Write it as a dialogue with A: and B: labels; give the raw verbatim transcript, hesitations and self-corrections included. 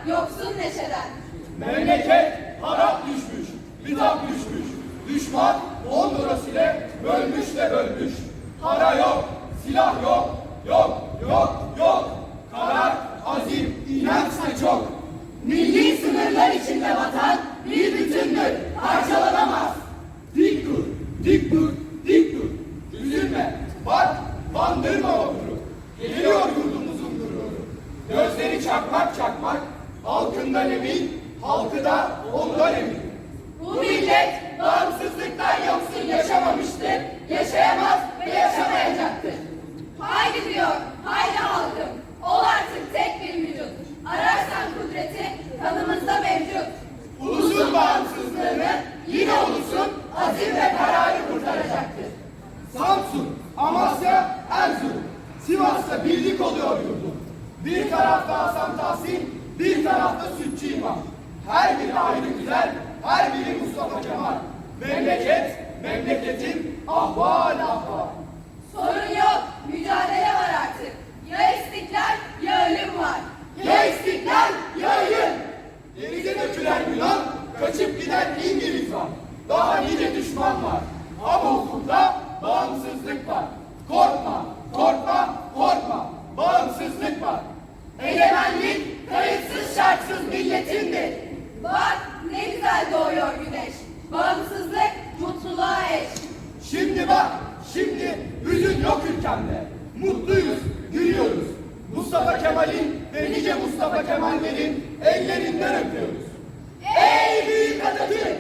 A: yoksun neşeden.
B: Memleket harap düşmüş, bitap düşmüş. Düşman on lirasıyla bölmüş de bölmüş. Para yok, silah yok, yok, yok, yok. Karar, azim, inançla çok.
A: Milli sınırlar içinde vatan bir bütündür, parçalanamaz.
B: Dik dur, dik dur, dik dur. Üzülme, bak, bandırma vapuru. Geliyor yurdumuzun gururu. Gözleri çakmak çakmak, halkından emin, halkı da ondan emin.
A: Bu millet bağımsızlıktan yoksun yaşamamıştır, yaşayamaz ve yaşamayacaktır. Haydi diyor, haydi halkım, ol artık tek bir vücut. Ararsan kudreti kanımızda mevcut.
B: Ulusun bağımsızlığını yine ulusun azim ve kararı kurtaracaktır. Samsun, Amasya, Erzurum, Sivas'ta birlik oluyor yurdum. Bir tarafta Hasan Tahsin, bir tarafta Sütçü İmam. Her biri ayrı güzel, her biri Mustafa Kemal. Memleket, memleketin ahval ahval.
A: Sorun yok, mücadele var artık. Ya istiklal ya ölüm var.
B: Ya istiklal ya ölüm. Denize dökülen Yunan, kaçıp giden İngiliz var. Daha nice düşman var. Ama ufukta bağımsızlık var. Korkma, korkma, korkma. Bağımsızlık var.
A: Egemenlik kayıtsız şartsız milletindir. Bak ne güzel doğuyor güneş. Bağımsızlık mutluluğa eş.
B: Şimdi bak, şimdi hüzün yok ülkemde. Mutluyuz, gülüyoruz. Mustafa Kemal'in ve nice Mustafa Kemal'lerin ellerinden öpüyoruz. Ey büyük Atatürk!